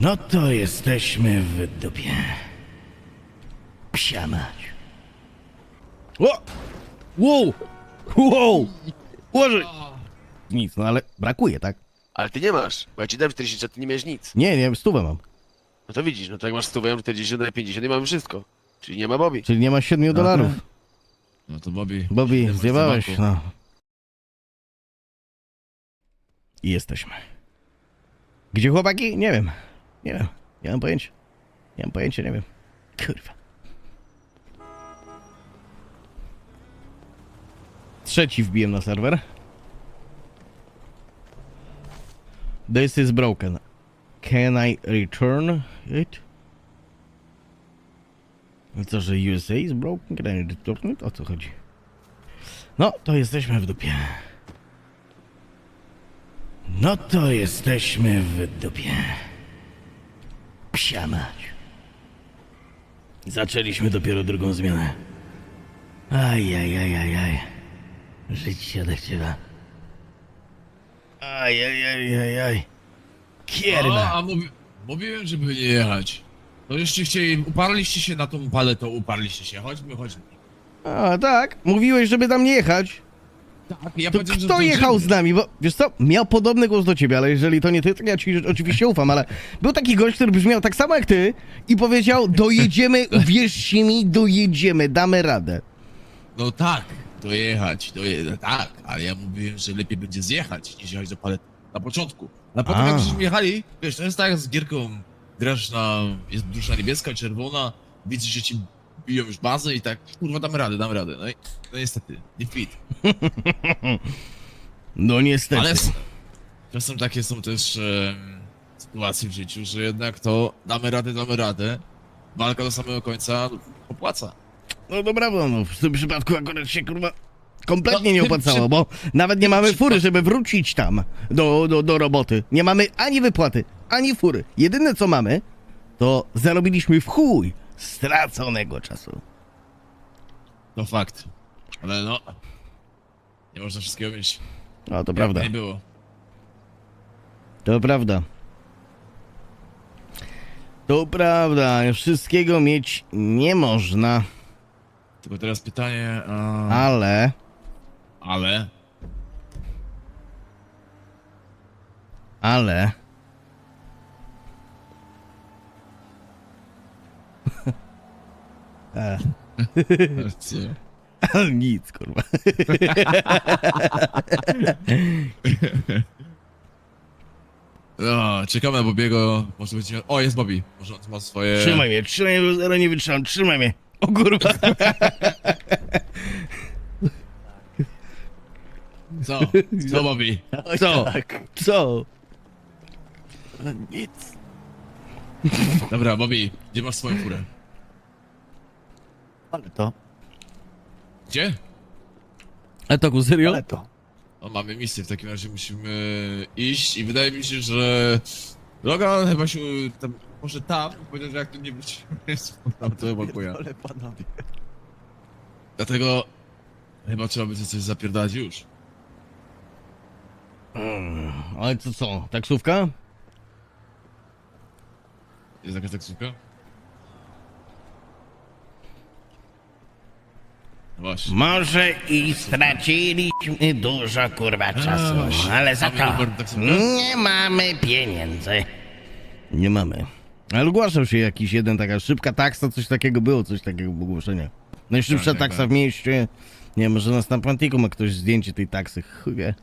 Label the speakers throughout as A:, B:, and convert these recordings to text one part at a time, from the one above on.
A: No to jesteśmy w dupie. Psia mać. O! Wow! Wow! Ułożyć! Nic, no ale brakuje, tak?
B: Ale ty nie masz, bo ja ci dałem 40, a ty nie miałeś nic.
A: Nie, stówę mam.
B: No to widzisz, no to jak masz 100, ja mam 40, daję 50 i mamy wszystko. Czyli nie ma Bobby.
A: Czyli nie ma $7.
C: No to Bobby.
A: Bobby,
C: masz
A: zjebałeś,
C: w banku.
A: no. I jesteśmy. Gdzie chłopaki? Nie wiem. Nie wiem. Nie mam pojęcia. Nie mam pojęcia, nie wiem. Kurwa. Trzeci wbiłem na serwer. This is broken. Can I return it? I co, że USA is broken? Can I return it? O co chodzi? No, to jesteśmy w dupie. No to jesteśmy w dupie. Psia mać. Zaczęliśmy dopiero drugą zmianę. Ajajajajaj. Żyć się odechciewa. Ajajajajaj. Kierwa.
C: Mówiłem, żeby nie jechać. To jeszcze uparliście się na tą paletę, uparliście się. Chodźmy.
A: A tak, mówiłeś, żeby tam nie jechać.
C: Tak, ja
A: To
C: powiedziałem, że
A: kto
C: zdążymy.
A: jechał z nami? Bo wiesz co, miał podobny głos do ciebie, ale jeżeli to nie ty, to ja ci oczywiście ufam, ale był taki gość, który brzmiał tak samo jak ty i powiedział, dojedziemy, uwierzcie mi, dojedziemy, damy radę.
C: No tak, dojechać, tak, ale ja mówiłem, że lepiej będzie zjechać, niż jechać do palety. Na początku. A potem jak żeśmy jechali, wiesz, to jest tak jak z gierką, grasz jest dusza niebieska, czerwona, widzisz, że ci biją już bazę i tak, kurwa, damy radę. No niestety, nie fit.
A: No niestety.
C: Ale czasem takie są też sytuacje w życiu, że jednak to damy radę, walka do samego końca opłaca.
A: No to prawda, no w tym przypadku akurat się kurwa kompletnie
C: No,
A: nie
C: tym
A: opłacało,
C: przy-
A: bo nawet nie
C: tym
A: mamy
C: przypadku-
A: fury, żeby wrócić tam do roboty. Nie mamy ani wypłaty, ani fury. Jedyne co mamy, to zarobiliśmy w chuj straconego czasu.
C: To fakt. Ale no, nie można wszystkiego mieć.
A: No to
C: Jak
A: prawda,
C: nie było.
A: to prawda. To prawda, wszystkiego mieć nie można,
C: Tylko teraz pytanie,
A: ale...
C: ale... Co?
A: Nic, kurwa.
C: No, czekamy na Bobiego, może będzie... O, jest Bobby, może on ma swoje...
A: Trzymaj mnie, bo zaraz nie wytrzymam, trzymaj mnie. O kurwa.
C: Co? Co Bobby?
A: Co? Co?
B: Nic.
C: Dobra, Bobby, gdzie masz swoją furę?
B: Ale to,
C: Gdzie?
A: A to serio?
B: ale to.
C: No, mamy misję, w takim razie musimy iść i wydaje mi się, że Logan chyba się tam, może tam, powiedział, że jak tu nie wrócimy, tam to chyba kuja.
B: Ale panowie.
C: Dlatego chyba trzeba będzie coś zapierdać już.
A: Ale to co, taksówka?
C: Jest jakaś taksówka? No właśnie.
A: Może i straciliśmy dużo kurwa czasu,
C: właśnie.
A: ale za
C: Mamy
A: to
C: numer taksówka?
A: nie mamy pieniędzy. Nie mamy. Ale ogłaszał się jakiś jeden, taka szybka taksa, coś takiego było, coś takiego w ogłoszeniu. Najszybsza
C: Tak,
A: taksa
C: tak.
A: w mieście. Nie, może na Stampantiku ma ktoś zdjęcie tej taksy, chuj wie.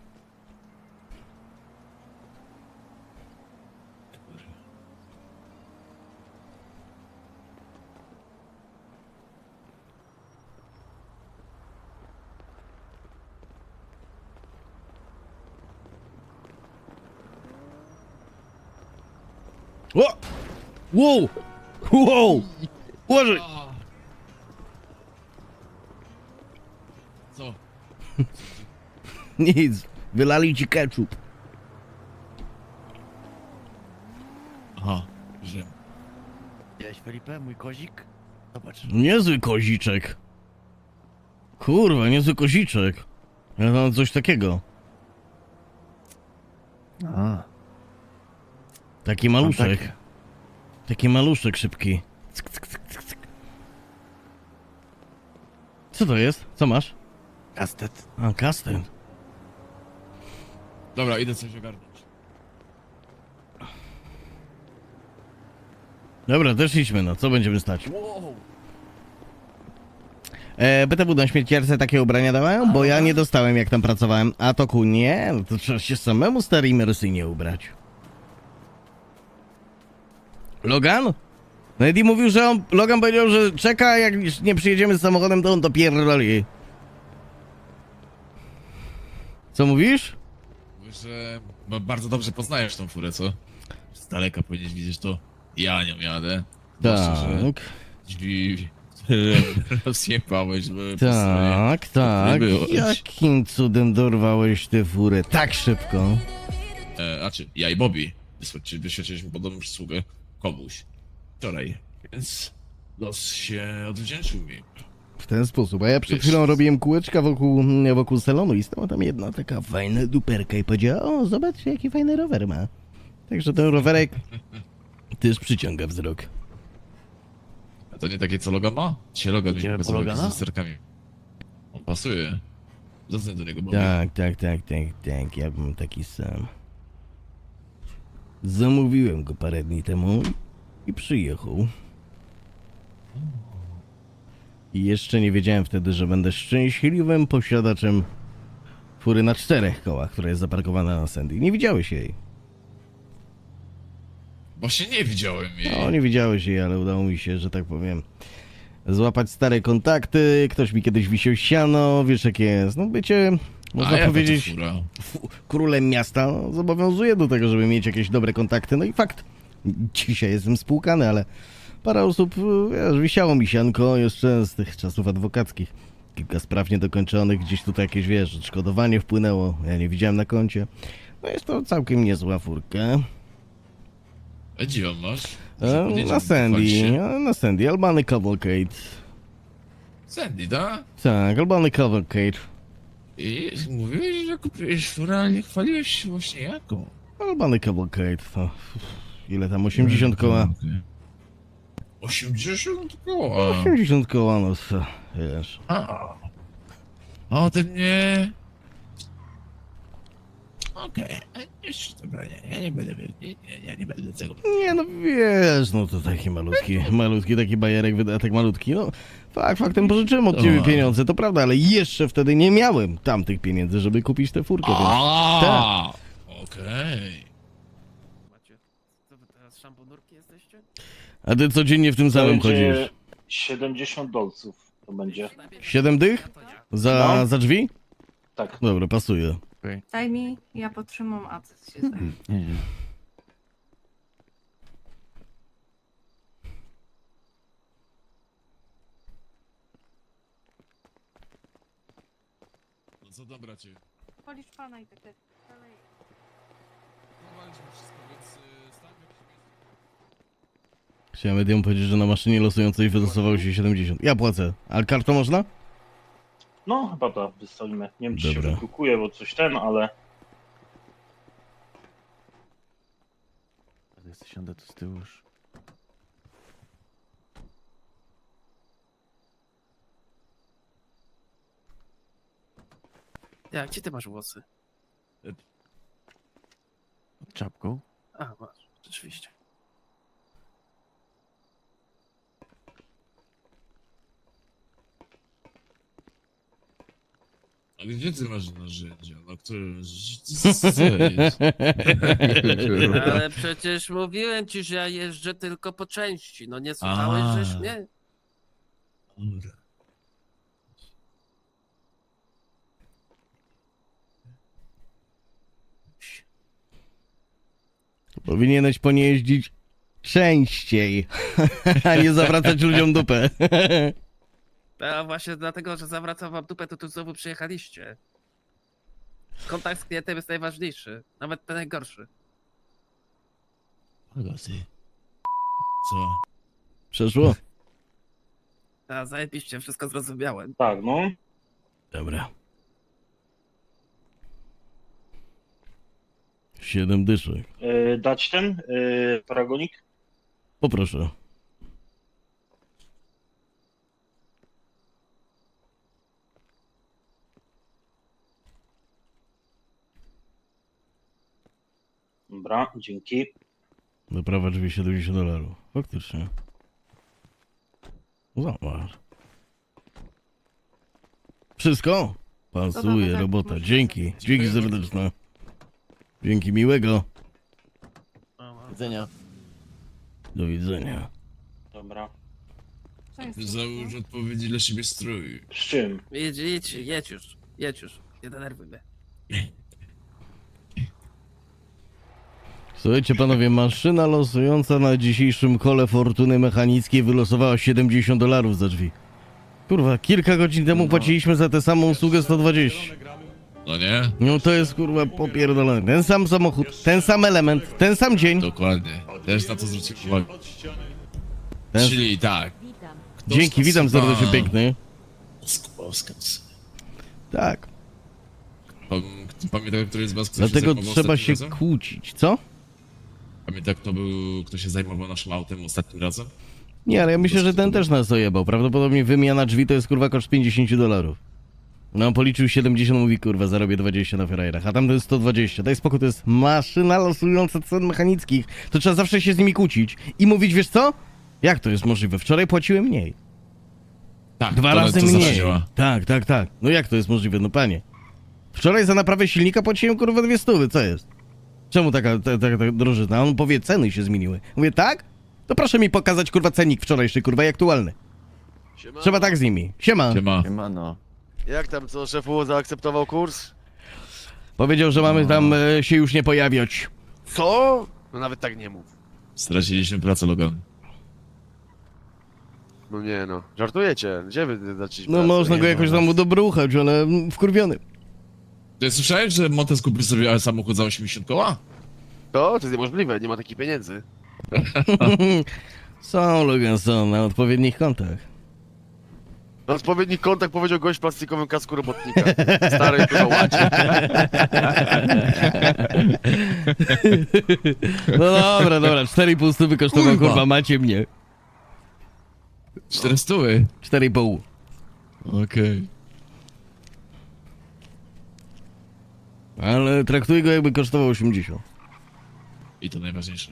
A: O! Wow! Wow! Ułożyć!
C: Co?
A: Nic, wylali ci ketchup.
C: Aha, że...
B: Widziałeś Felipe, mój kozik? Zobacz.
A: Niezły koziczek. Kurwa, niezły koziczek. Ja mam coś takiego.
B: A.
A: Taki maluszek. Taki maluszek szybki. Cyk, cyk, cyk, cyk, cyk. Co to jest? Co masz?
B: Kastet.
A: A, kastet.
C: Dobra, idę coś ogarnąć.
A: Dobra, też idźmy, no. Co będziemy stać?
C: Wow.
A: BTW na śmierciarce takie ubrania dawają? Bo ja nie dostałem, jak tam pracowałem. A to ku nie? No to trzeba się samemu stary imersyjnie ubrać. Logan? No Eddie mówił, że Logan powiedział, że czeka, jak nie przyjedziemy z samochodem, to on to pierdoli. Co mówisz?
C: Mówisz, że bardzo dobrze poznajesz tą furę, co? Z daleka powinieneś widzieć to. Ja nią jadę. Zwłaszcza, że
A: Tak,
C: drzwi rozjebałeś, były po stronie.
A: tak, tak.
C: byłeś.
A: Jakim cudem dorwałeś tę furę tak szybko?
C: Znaczy, ja i Bobby wyświadczyliśmy podobną przysługę komuś wczoraj, więc los się odwdzięczył mi.
A: W ten sposób, a ja przed
C: Wiesz-
A: chwilą robiłem kółeczka wokół salonu i stała tam jedna taka fajna duperka i powiedziała: o, zobacz jaki fajny rower ma. Także ten rowerek też przyciąga wzrok.
C: A to nie takie, co Logan ma? Dzisiaj Logan mi
B: Idziemy po
C: pokazał
B: Logana?
C: z lusterkami. On pasuje. Zadzwoń do niego, Bobby.
A: Tak, ja bym taki sam. Zamówiłem go parę dni temu i przyjechał. I jeszcze nie wiedziałem wtedy, że będę szczęśliwym posiadaczem fury na 4 kołach, która jest zaparkowana na Sandy. Nie widziałeś jej.
C: Właśnie nie widziałem jej.
A: No, nie widziałeś jej, ale udało mi się, że tak powiem, złapać stare kontakty. Ktoś mi kiedyś wisiał siano, wiesz jak jest. No bycie, można
C: jaka to
A: powiedzieć,
C: fura?
A: królem miasta no, zobowiązuje do tego, żeby mieć jakieś dobre kontakty. No i fakt, dzisiaj jestem spłukany, ale parę osób, wiesz, wisiało mi sianko jeszcze z tych czasów adwokackich. Kilka spraw niedokończonych, gdzieś tutaj jakieś, wiesz, odszkodowanie wpłynęło, ja nie widziałem na koncie. No jest to całkiem niezła furka.
C: A gdzie ją masz? Może podjedziemy,
A: Na
C: pochwalić
A: Sandy,
C: się?
A: na Sandy, Albany Cavalcade.
C: Sandy, da?
A: Tak, Albany Cavalcade.
C: I mówiłeś, że kupiłeś furę, ale nie chwaliłeś się właśnie jaką.
A: Albany Cavalcade, to ile tam, 80 koła?
C: Okej. 80 koła?
A: 80 koła, no co, wiesz.
C: A o tym nie... Okej, jeszcze dobra, nie, ja nie będę, ja nie będę tego...
A: Nie no wiesz, no to taki malutki taki bajerek, wydatek malutki, no faktem pożyczyłem od ciebie
C: O.
A: pieniądze, to prawda, ale jeszcze wtedy nie miałem tamtych pieniędzy, żeby kupić tę furkę, więc...
C: A, okej.
B: Macie, co wy teraz szamponurki jesteście?
A: A ty codziennie w tym samym chodzisz?
D: 70 dolców to będzie.
A: 7 dych?
D: No.
A: Za drzwi?
D: Tak.
A: Dobra, pasuje.
E: Daj mi, ja potrzymam, a ty się zajmij.
B: Nie.
C: No co tam, bracie?
E: Policz pana i tak dalej.
C: Chowaliśmy wszystko, więc stań w jakimś miejscu.
A: Chciałem medium powiedzieć, że na maszynie losującej wylosowało się 70. Ja płacę. Ale kartą można?
D: No, chyba to wystawimy. Nie wiem, czy się
A: Dobra.
D: wydrukuje, bo coś ale...
B: Siądę tu z tyłu już. Ja, gdzie ty masz włosy? Pod czapką? A, masz, rzeczywiście.
C: A gdzie ty masz narzędzia? Na którym... Co jest?
B: Ale przecież mówiłem ci, że ja jeżdżę tylko po części. No nie słuchałeś,
C: A.
B: żeś mnie?
C: Dobra.
A: Powinieneś po nie jeździć częściej, a nie zawracać ludziom dupę.
B: A właśnie dlatego, że zawracam wam dupę, to tu znowu przyjechaliście. Kontakt z klientem jest najważniejszy, nawet ten najgorszy.
C: Pagaty. Co?
A: Przeszło?
B: A zajebiście, wszystko zrozumiałem.
D: Tak, no.
A: Dobra. 7 dyszek.
D: Dać ten paragonik?
A: Poproszę.
D: Dobra, dzięki.
A: Do prawa drzwi $70. Faktycznie. Zobacz. Wszystko? Pasuje,
E: tak,
A: robota.
E: może
A: Dzięki.
E: być.
A: Dzięki serdeczne. Dzięki miłego.
F: Widzenia.
A: Do widzenia.
D: Dobra.
E: Co jest?
C: Załóż odpowiedzi dla siebie strój.
D: Z czym?
B: Jedź już, nie denerwuj mnie.
A: Słuchajcie panowie, maszyna losująca na dzisiejszym kole fortuny mechanickiej wylosowała $70 za drzwi. Kurwa, kilka godzin temu płaciliśmy za tę samą usługę 120.
C: No nie?
A: No to jest kurwa popierdolone. Ten sam samochód, ten sam element, ten sam dzień.
C: Dokładnie. Też na to zwróciłem uwagę.
A: Ten...
C: Czyli tak. Kto
A: Dzięki, witam
C: stosowa-
A: serdecznie piękny. Tak,
C: Pamiętam, który z was kto się
A: dlatego
C: zajmował
A: trzeba
C: ostatnim
A: się
C: razem?
A: kłócić, co?
C: Pamiętam, kto się zajmował naszym autem ostatnim razem?
A: Nie, ale ja myślę, że ten też nas dojebał. Prawdopodobnie wymiana drzwi to jest kurwa koszt $50. No on policzył 70, mówi kurwa zarobię 20 na ferajrach, a tam to jest 120. Daj spokój, to jest maszyna losująca cen mechanickich. To trzeba zawsze się z nimi kłócić i mówić, wiesz co? Jak to jest możliwe? Wczoraj płaciłem mniej.
C: Tak,
A: 2
C: to-
A: razy
C: to zawsze
A: mniej.
C: działa.
A: Tak, tak, tak. No jak to jest możliwe? No panie. Wczoraj za naprawę silnika płaciłem kurwa 200, co jest? Czemu taka drożyzna? A on powie, ceny się zmieniły. Mówię, tak? To proszę mi pokazać kurwa cennik wczorajszy kurwa i aktualny. Trzeba tak z nimi. Siema.
C: Siema.
F: Siemano. Jak tam, co szefu zaakceptował kurs?
A: Powiedział, że mamy tam się już nie pojawiać.
F: Co? No nawet tak nie mów.
C: Straciliśmy pracę, Logan.
F: No nie no, żartujecie. Gdzie wy zaczęliście
A: No
F: pracę?
A: można
F: Nie
A: go
F: ma
A: jakoś
F: nas.
A: tam udobruchać, ale wkurwiony.
C: Ty słyszałeś, że Montes kupił sobie samochód za 80 koła?
F: To jest niemożliwe, nie ma takich pieniędzy.
A: Są, Logan, są na odpowiednich kontach.
F: Na odpowiedni kontakt powiedział gość w plastikowym kasku robotnika. Stary kurwa łacie.
A: No dobra, 4,5 stówy kosztował,
C: Kurwa.
A: kurwa, macie mnie.
C: 400?
A: 4,5.
C: Okej.
A: Ale traktuj go jakby kosztował 80.
C: I to najważniejsze.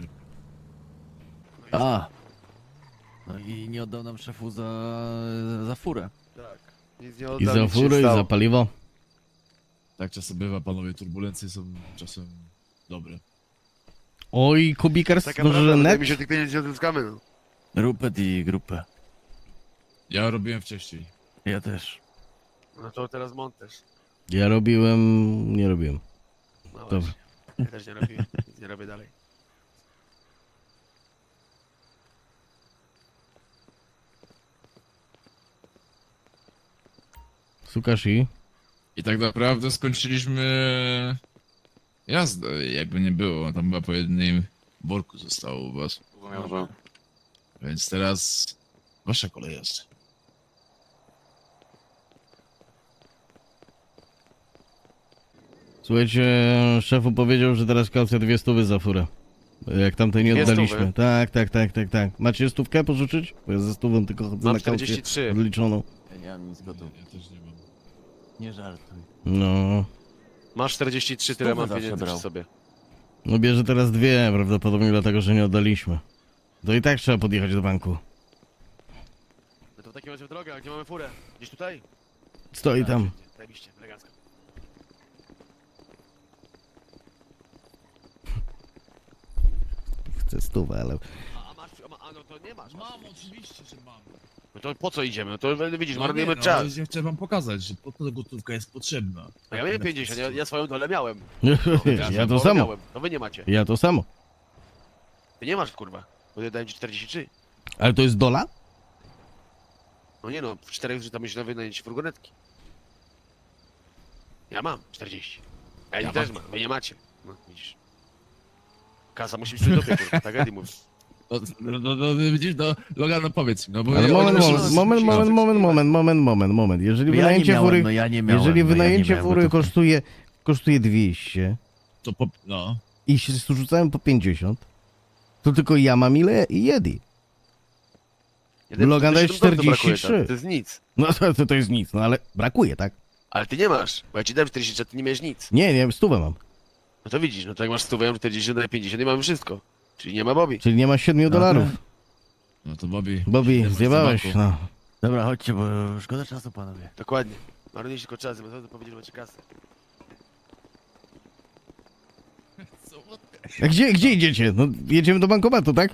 G: A. No i nie oddał nam szefu za furę.
F: Tak. Nic nie
A: I
F: oddał,
A: za
F: nic się
A: furę, i
F: stało.
A: za paliwo.
C: Tak czasem bywa, panowie, turbulencje są czasem dobre.
A: Oj, Kubikers,
F: Taka
A: może
F: prawda,
A: że
F: wydaje
A: net?
F: mi się, tych pieniędzy nie odzyskamy, no.
G: Rupet i grupę.
C: Ja robiłem wcześniej.
G: Ja też.
F: No to teraz montaż.
A: Ja robiłem, nie robiłem.
F: No
A: Dobra.
F: właśnie. Ja też nie robię, nic nie robię dalej.
A: Sukashi.
C: I tak naprawdę skończyliśmy jazdę, jakby nie było. Tam chyba po jednym worku zostało u was.
F: Może.
C: Więc teraz wasza kolej jest.
A: Słuchajcie, szefu powiedział, że teraz kaucja 200 za furę. Jak tamtej nie
F: 200?
A: oddaliśmy. Tak. Macie stówkę pożyczyć? Bo ja ze stówą tylko chodzę
F: Mam
A: na kaucję
F: 43.
A: odliczoną.
G: Ja nie mam nic gotów.
C: Ja też nie mam.
G: Nie żartuj.
A: No.
F: Masz 43, tyle
G: Stówę
F: mam
G: zawsze
F: pieniędzy
G: brał.
F: przy sobie.
A: No bierze teraz 2, prawdopodobnie dlatego, że nie oddaliśmy. To i tak trzeba podjechać do banku.
F: No to w takim razie w drogę, a gdzie mamy furę? Gdzieś tutaj?
A: Stoi tam.
F: Zajebiście, elegancko.
A: Chcę stówę, ale...
F: A masz, a no to nie masz.
C: Mam, oczywiście, że mam.
F: No to po co idziemy? No to widzisz,
C: No
F: marnujemy
C: nie, no,
F: czas.
C: Ja chcę wam pokazać, że po to gotówka jest potrzebna.
F: No ja miałem 50, ja swoją dolę miałem.
A: Ja to
F: Swoją
A: samo.
F: miałem. No wy nie macie.
A: Ja to samo.
F: Ty nie masz, kurwa. Bo ja dałem ci 43.
A: Ale to jest dola?
F: No nie no, w 4 tam jeszcze na wynajęcie furgonetki. Ja mam 40. Ja też mam, wy nie macie. No widzisz. Kasa musi być przy dupie, kurwa, tak Eddie mówi.
C: No, widzisz, no, Logan, no powiedz mi, no bo...
A: Ale
C: ja-
A: moment,
C: oni
A: moment,
C: myślą-
A: moment. Jeżeli
G: Ja nie
A: wynajęcie
G: miałem,
A: fury...
G: no ja nie miałem.
A: Jeżeli
G: no ja nie
A: wynajęcie
G: miałem
A: fury
G: gotówki.
A: kosztuje 200,
C: To no.
A: i się rzucałem po 50, to tylko ja mam ile Jedi. Logan daje 43.
F: To jest nic.
A: No to jest nic, no ale brakuje, tak?
F: Ale ty nie masz, bo ja ci dałem 40, a ty nie miałeś nic.
A: Nie, 100 mam.
F: No to widzisz, no to jak masz 100, ja mam 40, daję 50 i mamy wszystko. Czyli nie ma Bobby.
A: Czyli nie ma 7 dolarów.
C: No to Bobby.
A: Bobby,
C: idę
A: zjebałeś,
C: w banku.
A: no.
G: Dobra, chodźcie, bo szkoda czasu, panowie.
F: Dokładnie. Marnujesz tylko czas, bo to powiedzieć, że macie kasę.
A: A gdzie idziecie? No jedziemy do bankomatu, tak?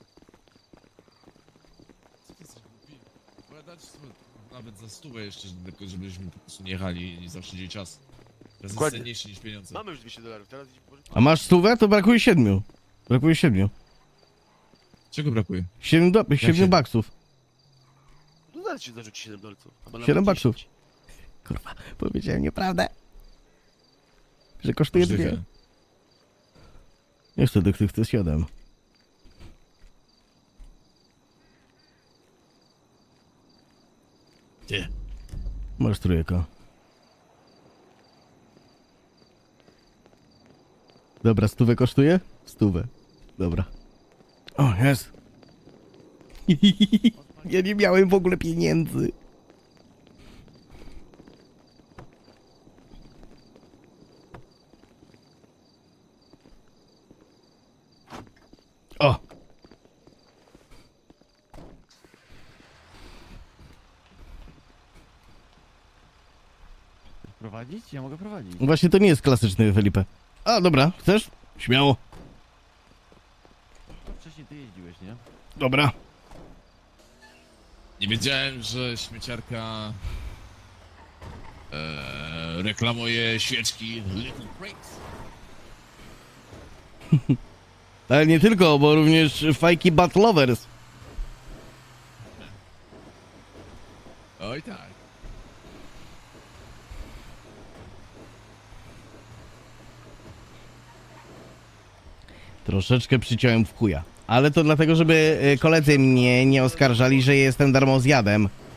C: Co ty jesteś głupi? Bo ja dać sobie nawet za 100 jeszcze, tylko żebyśmy po prostu nie jechali i zaoszczędzili czas. To jest
F: Dokładnie.
C: cenniejsze niż pieniądze.
F: Mamy już 200 dolarów, teraz idź pożyczyć.
A: A masz 100, to brakuje 7. Brakuje 7.
C: Czego brakuje?
A: 7
C: się-
A: baksów.
F: No zaraz ci zarzuci 7 dolców. albo nawet
A: 7 baksów.
F: 10.
A: Kurwa, powiedziałem nieprawdę. Że kosztuje
C: Możliwe.
A: 2. Nie chcę tych 7.
C: Ty.
A: Masz trójka. Dobra, 100 kosztuje? 100. Dobra. O, jest. Ja nie miałem w ogóle pieniędzy. O!
G: Prowadzić? Ja mogę prowadzić.
A: Właśnie to nie jest klasyczny Felipe. A, dobra, chcesz? Śmiało.
G: No, wcześniej ty jeździłeś, nie?
A: Dobra.
C: Nie wiedziałem, że śmieciarka reklamuje świeczki Little Prince.
A: Ale nie tylko, bo również fajki Bat Lovers.
C: Oj tak.
A: Troszeczkę przyciąłem w chuja. Ale to dlatego, żeby koledzy mnie nie oskarżali, że jestem darmozjadem.